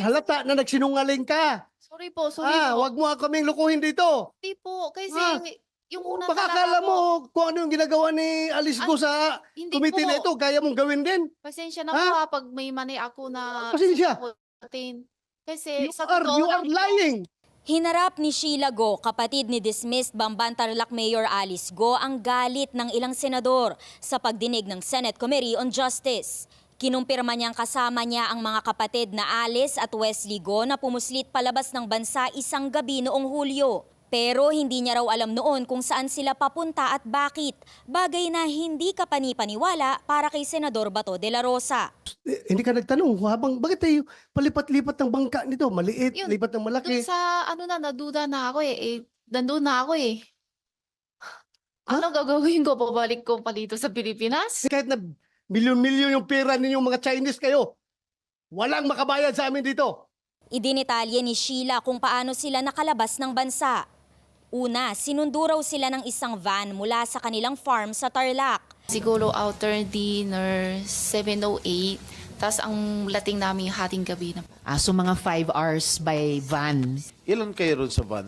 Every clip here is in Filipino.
halata na nagsinungaling ka. Sorry po, sorry po. Wag mo kaming lukuhin dito. Hindi po, kasi Ah, yung una Baka talaga akala po, mo kung ano yung ginagawa ni Alice Go sa hindi committee na ito, po. kaya mong gawin din. Pasensya na Ha? po pag may mani ako na Pasensya. sasagutin. Kasi sa You totoo are lang po, lying. Hinarap ni Sheila Go, kapatid ni dismissed Bamban Tarlac Mayor Alice Go, ang galit ng ilang senador sa pagdinig ng Senate Committee on Justice. Kinumpirma niyang kasama niya ang mga kapatid na Alice at Wesley Go na pumuslit palabas ng bansa isang gabi noong Hulyo. Pero hindi niya raw alam noon kung saan sila papunta at bakit. Bagay na hindi kapanipaniwala para kay Senador Bato de la Rosa. Hindi ka nagtanong, bakit tayo palipat-lipat ng bangka nito? Maliit, Yun, lipat ng malaki. dun sa naduda na ako nandun na ako eh. Ano gagawin ko? Pabalik ko pa dito sa Pilipinas? Kahit na milyon-milyon yung pera ninyong mga Chinese kayo, walang makabayad sa amin dito. Idinitalye ni Sheila kung paano sila nakalabas ng bansa. Una, sinundo raw sila ng isang van mula sa kanilang farm sa Tarlac. Siguro outer dinner, 7:08. Tapos ang lating namin hating gabi na. So mga 5 hours by van. Ilan kayo ron sa van?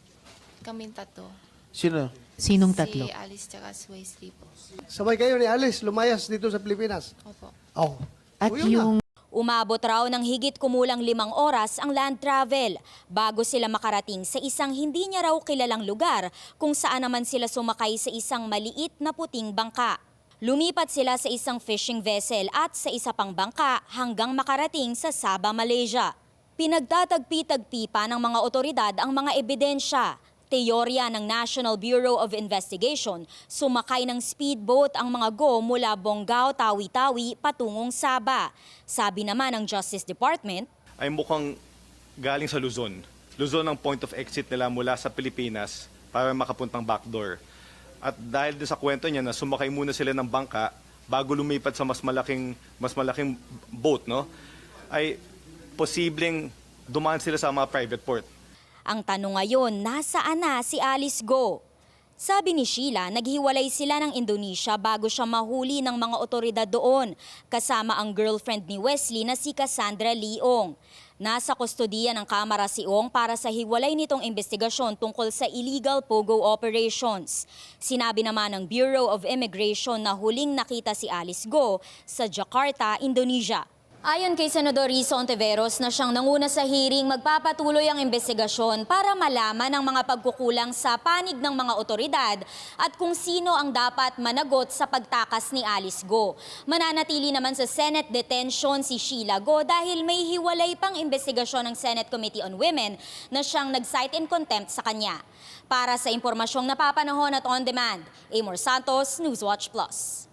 Kaming tatlo. Sino? Sinong tatlo? Si Alice tsaka si Wesley po. Sabay kayo ni Alice, lumayas dito sa Pilipinas. Opo. Oh. At O, yun na. yung Umabot raw ng higit kumulang 5 oras ang land travel bago sila makarating sa isang hindi niya raw kilalang lugar kung saan naman sila sumakay sa isang maliit na puting bangka. Lumipat sila sa isang fishing vessel at sa isa pang bangka hanggang makarating sa Sabah, Malaysia. Pinagtatagpi-tagpi pa ng mga otoridad ang mga ebidensya. Teorya ng National Bureau of Investigation, sumakay ng speedboat ang mga Go mula Bonggao, Tawi-Tawi patungong Sabah. Sabi naman ng Justice Department, ay mukhang galing sa Luzon. Luzon ang point of exit nila mula sa Pilipinas para makapuntang backdoor. At dahil din sa kwento niya na sumakay muna sila ng bangka bago lumipat sa mas malaking boat, no? Ay posibleng dumaan sila sa mga private port. ang tanong ngayon, nasaan na si Alice Go? Sabi ni Sheila, naghiwalay sila ng Indonesia bago siya mahuli ng mga otoridad doon, kasama ang girlfriend ni Wesley na si Cassandra Leong. Nasa kustodiya ng Kamara si Ong para sa hiwalay nitong investigasyon tungkol sa illegal pogo operations. Sinabi naman ng Bureau of Immigration na huling nakita si Alice Go sa Jakarta, Indonesia. Ayon kay Senador Rizzo Ontiveros na siyang nanguna sa hearing, magpapatuloy ang investigasyon para malaman ang mga pagkukulang sa panig ng mga otoridad at kung sino ang dapat managot sa pagtakas ni Alice Go. Mananatili naman sa Senate detention si Sheila Go dahil may hiwalay pang investigasyon ng Senate Committee on Women na siyang nag-cite in contempt sa kanya. Para sa impormasyong napapanahon at on demand, Amor Santos, Newswatch Plus.